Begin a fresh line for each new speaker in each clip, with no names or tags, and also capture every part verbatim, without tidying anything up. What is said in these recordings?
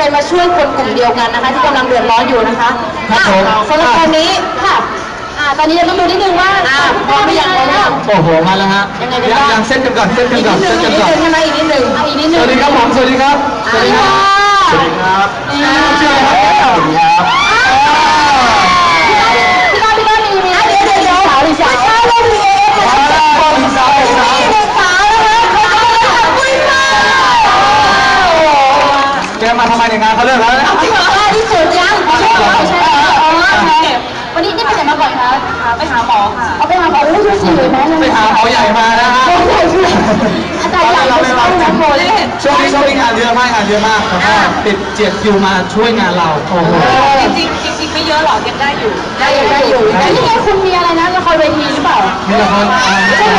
มาช่วยคนกลุ่มเดียวกันนะคะที่กำลังเดือดร้อนอยู่นะคะสำหรับตอนนี้ค่ะตอนนี้เราต้องดูนิดนึงว่าพร้อมหรือยังพร้อมหรือยัง
โอ้โหมาแล้วฮะยังยังเส้นกันก่อนเส้นกันก่อนเส้นกันก่อน
ใช่ไหมอีกนิดนึงอีกนิดนึง
สวัสดีครับผมสวัสดีครับสวัสดีครับสวัสดีครับชื่ออะไรครับสวัสดีครับ
พี่ก้าวพี่ก้าวมีมีเดี๋ยวเดี๋ยวเดี๋ยวสาวหรือสาวสาวเรามีเองค่ะสาวสาวสาวเด็กสาวนะคะเขาจะมาทำคุยค่ะ
แกมาทำไมในงานเขาเลิกแล้วนะ
จริงเหรอที่สุดยังใช่ไหมใช่ไหมอ๋อวันนี้นี่ไปไหนมาก่อนคะไปหาหมอค่ะเอาไปหาหมอรู้ชื่อสิเลยไหม
ไปหาหมอใหญ่มานะฮะ
อาจารย์ใหญ่เราไม่ต้องนะโมเลย
ช่วงนี้ช่วงนี้งานเยอะมากงานเยอะมากแล้วก็ติดเจียดคิวมาช่วยงานเราโอ้โห
จริงจริงจริงไม่เยอะหรอกยังได้อยู่
ได้อยู่ได้อยู่แต่ที่นี่คุณมีอะไรนะละครเวทีหรือเปล่า
มีละคร
ใช่ไหม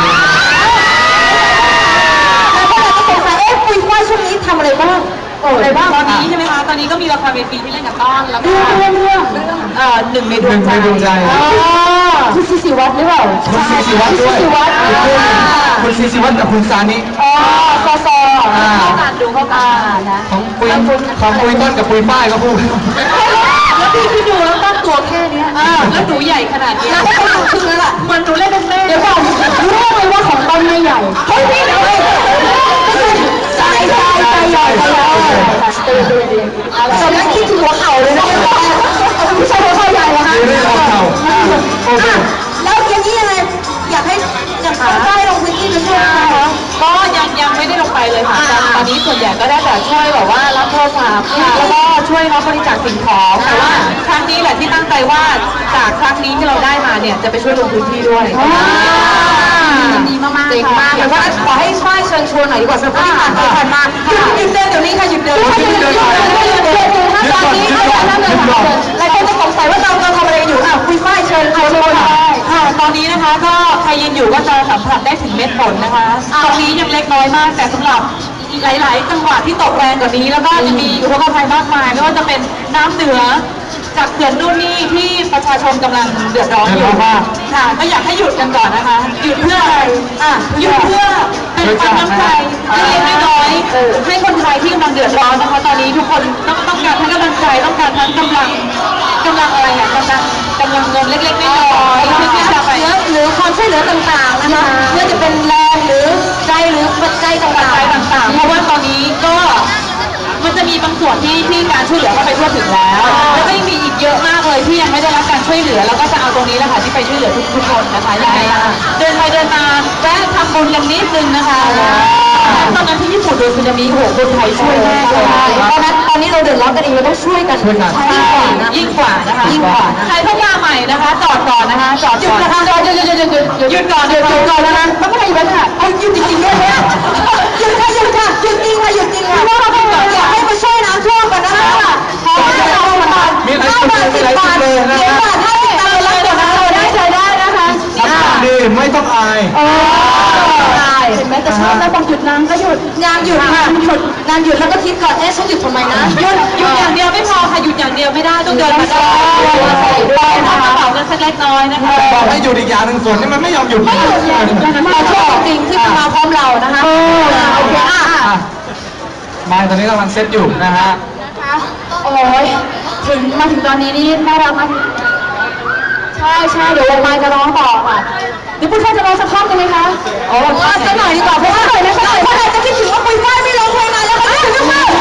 แล้วก็เราก็สงสัยเอ๊ะคุยว่าช่วงนี้ทำอะไรบ้างโอ้อะไรบ้าง
ตอนนี้ใช่ไหมคะตอนนี้ก็มีละครเวทีที่เล่นกับต้อนแล้วก็
เรื่องเรื่อง
เรื่องเอ่อหนึ่งในดวงใจ
คุณซีซีวัดหรือเปล่า
คุณซีซีวัดด้วยคุณซีซีวัดกับคุณซานิ
อ๋อซอซอ
เข้ากันดูเข้ากัน
นะ
ของปุยของปุยต้นกับปุยฝ้ายก็พูด
แล้วพี่พี่ดูแล้วตั้งตัวแค่นี้แล้วหนูใหญ่ขนาดนี้
แล้วก็หนูคือแล้วล่ะ
เหมือนหนูเล่นเป็นแม่
เดี๋ยวก่อนรู้ไหมว่าของต้นไม่ใหญ่เฮ้ยพี่เดี๋ยวใจใจใจใหญ่ใจใหญ่ตื่นตื่นตื่นตอนนั้นคิดถึงหัวเข่าเลยนะไม่ใช่หัวเข่าใหญ่เหรอคะ
ไม่ใช่หัวเข่า
แล้วอย่างนี้ยังไงอยากให้อยากต้องได้ลงพื้นที่ไปช่วยนะคะ
ก็ยังยังไม่ได้ลงไปเลยค่ะตอนนี้ส่วนใหญ่ก็ได้แต่ช่วยแบบว่ารับโทรศัพท์แล้วก็ช่วยรับบริจาคสิ่งของแต่ว่าครั้งนี้แหละที่ตั้งใจว่าจากครั้งนี้ที่เราได้มาเนี่ยจะไปช่วยลงพื้นที่ด้วย
ดีมากๆ
เจ๋งมาก
แต่ว่าขอให้ช่วยเชิญชวนหน่อยดีกว่าสำหรับที่ผ่านไปผ่านมาหยุดเดินเดี๋ยวนี้ค่ะหยุดเดินหยุดเดินหยุดเดินหยุดเดินหยุดเดินตอนนี้ไม่ได้นั่งเลยค่ะหลายคนจะสงสัยว่าเราเราทำอะไรอยู่อ่ะคุยฝ้ายเชิญเชิญเลย
ค่ะตอนนี้นะคะก็ใครยืนอยู่ก็จะสัมผัสได้ถึงเม็ดฝนนะคะตรงนี้ยังเล็กน้อยมากแต่สำหรับหลายๆจังหวัดที่ตกแรงกว่านี้แล้วก็จะมีอุทกภัยมากมายไม่ว่าจะเป็นน้ำเหนือจากเขื่อนนู่นนี่ที่ประชาชนกำลังเดือดร้อนอยู่ค่ะก็อยากให้หยุดกันก่อนนะคะหยุดเพื่ออะไรอ่ะหยุดเพื่อเป็นความน้ำใจให้เล็กน้อยให้คนไทยที่กำลังเดือดร้อนนะคะตอนนี้ทุกคนต้องต้องการทั้งกำลังใจต้องการทั้งกำลังกำลังอะไรอ่ะกำลังกำลังเงินเล็กๆน้อยๆที่จะไป
หรือความช่วยเหลือต่างๆนะคะเพื่อจะเป็นแรงหรือใจหรือปัจจัยต่างๆ
ต่างๆเพราะว่าตอนนี้ก็มันจะมีบางส่วนที่ที่การช่วยเหลือเข้าไปทั่วถึงแล้วแล้วก็ยังมีอีกเยอะมากเลยที่ยังไม่ได้รับการช่วยเหลือแล้วก็จะเอาตรงนี้แหละค่ะที่ไปช่วยเหลือทุกๆคนนะคะยังไงเดินไปเดินมาแวะทำบุญกันนิดนึงนะคะตอนนั้นที่ญี่ปุ่นโดนสึนามิโอ้โหคนไทยช่วยแม่เลย
ตอนนั้นตอนนี้เราเดือดร้อนกันเองเราต้องช่วยกัน
ยิ่งกว่านะคะยิ่งกว่าใครเพิ่งมาใหม่นะคะจอดก่อนนะคะจอดก่อน
จอดหยุดหยุดหยุดหยุดหยุดก่อนหยุดก่อนนะคะไม่เป็นไรอยู่แล้วค่ะเอาหยุดจริงๆด้วยนะหยุดค่ะหยุดค่ะหยุดจริงค่ะหยุดจริงค่ะว่าเราต้องอยากให้มาช่วยน้ำท่วมกันนะคะพอจะเอามาบาทห้าบาทสิบบาทเดี๋ยวบาทห้าสิบบาทแล้วเดี๋ยวเราได้ใจได้นะคะ
ดีไม่ต้องอาย
เห็นไหมแต่ชอบแล้วบอกหยุดน้ำก็หยุดงานหยุดค่ะหยุดงานหยุดแล้วก็คิดก่อนเอ๊ะฉันหยุดทำไมนะ
หยุดหยุดอย่างเดียวไม่พอค่ะหยุดอย่างเดียวไม่ได้ต้องเดินมาได้ใส่ด้วยนะคะกระเป๋ากันสักเล็กน้อยนะคะ
บอกให้หยุดอีกอย่างหนึ่งฝนนี่มันไม่ยอมหยุด
ไม่หยุดเลยมาชอบจริงที่มาพร้อมเรานะคะโอเคอ่ะ
มาตอนนี้กำลังเซตอยู่นะฮะ
นะคะโอ้ยถึงมาถึงตอนนี้นี่น่ารักมากใช่ใช่เดี๋ยววงไม้จะร้องต่อค่ะเดี๋ยวปุ้ยฝ้ายจะร้องสักท่อนกันไหมคะอ๋อสักหน่อยดีกว่าเพราะว่าหน่อยนะสักหน่อยเพราะอะไรจะคิดถึงว่าปุ้ยฝ้ายไม่ร้องเพลงนานแล้วค่ะคิดถึงมาก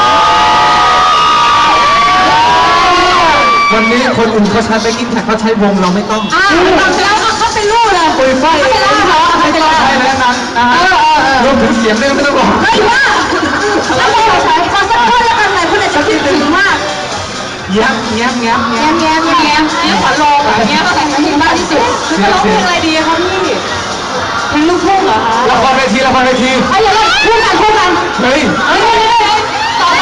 วันนี้คนอื่นเขาใช้ไปกินแท็กเขาใช้วงเราไม่ต้อง
อ่าแล้วเขาเป็นลูกเลย
ปุ้ยฝ้ายไม่ต้องไม่ต้องใช้แล้วนั้นนะฮะรวมถึงเสียงด้วยไม่ต้องบอก
เฮ้ยว่าแล้วเราใช้ขอสักท่อนแล้วกันหน่อยคุณอาจจะคิดถึงมาก
แง้มแง้มแง้ม
แง้มแง้มแง้มแง้มขวัญโลงแง้มแต่งเพลงมากที่สุด
คือร้องเพลงอะไรดีคะพี่เพลงลูกทุ่งเหรอคะ
ละครเวทีละครเวที
ไอ้ยังไงพูดกันพูดกัน
เฮ้ย
เฮ้ยเฮ้ยต่อไป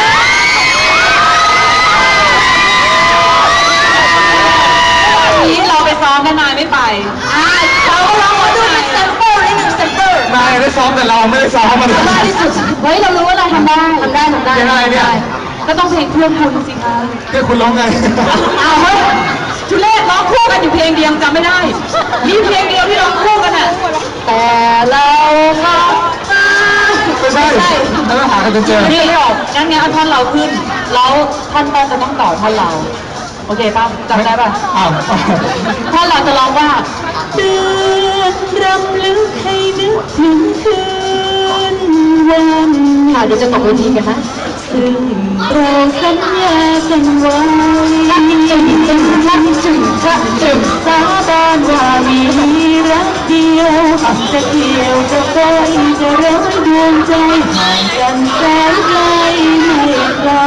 นี้เราไปซ้อมกันนายไม่ไป
อ่าเราเราขอดูเป็นแซมเปิลนิดหนึ่งแซมเปิล
นายได้ซ้อมแต่เราไม่ได้ซ้อมมัน
ทำได้ที่สุดเฮ้ยเรารู้ว่าเราทำได้ทำได้ทำได้
ยังไงเนี่ย
ก็ต้องเพลงเพื่อนคุณสิคะ
เพื่อนคุณร้องไง
อ้าวเฮ้ยทุเรศร้องคู่กันอยู่เพลงเดียวจำไม่ได้มีเพลงเดียวที่ร้องคู่กันอ่ะ
แต่เราก็
ไม่ใช่แล้วหากันจนเจอ
นี่ไม่ออกงั้นงั้นเอาท่อนเราขึ้นแล้วท่อนต้นจะต้องต่อท่อนเราโอเคป่ะจำได้ป่ะ
อ้าว
ท่อนเราจะร้องว่าเดือนรำลึกให้นึกถึงคืนวันค่ะเดี๋ยวจะตกเวทีกันนะซึ่งเราสัญญากันไว้จึงจึงจึงจึงจึงสาบานว่ามีรักเดียวจะเกี่ยวจะคอยจะร้อยดวงใจห่างกันแสนไกลไม่ไกล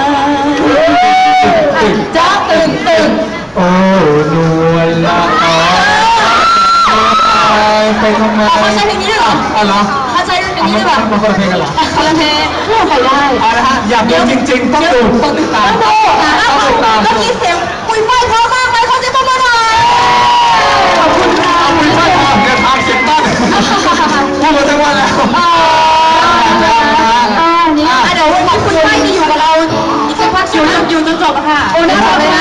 จ้าตึงตึง
โอ้นวลละอ๋อไปทำไม
ไม่ใช่เพลงนี้ด้วยเหรอ
อ๋อเหรอ
ถ้าใช่เพลงนี้ด้วยเหรอ
มันคนละเพลงกันเหรอ
คนละเพลงพูดไปได้
เอาละฮะอยากดูจริงๆต้องดูต้องติดตาม
ต้องดูนะ
ต้องติดตาม
เมื่อกี้เสียงปุยฝ้ายเพราะมากเลยเขาจะมาเมื่อไหร่ขอบคุณค่ะ
ขอบคุณท่านครับเดินทางเสียงต้นพูดมาทั้งวันแล้ว
นี่เดี๋ยวขอบคุณฝ้ายที่อยู่กับเราอีกสักพักอยู่อยู่จนจบค่ะ
โอ้น่ารักเลย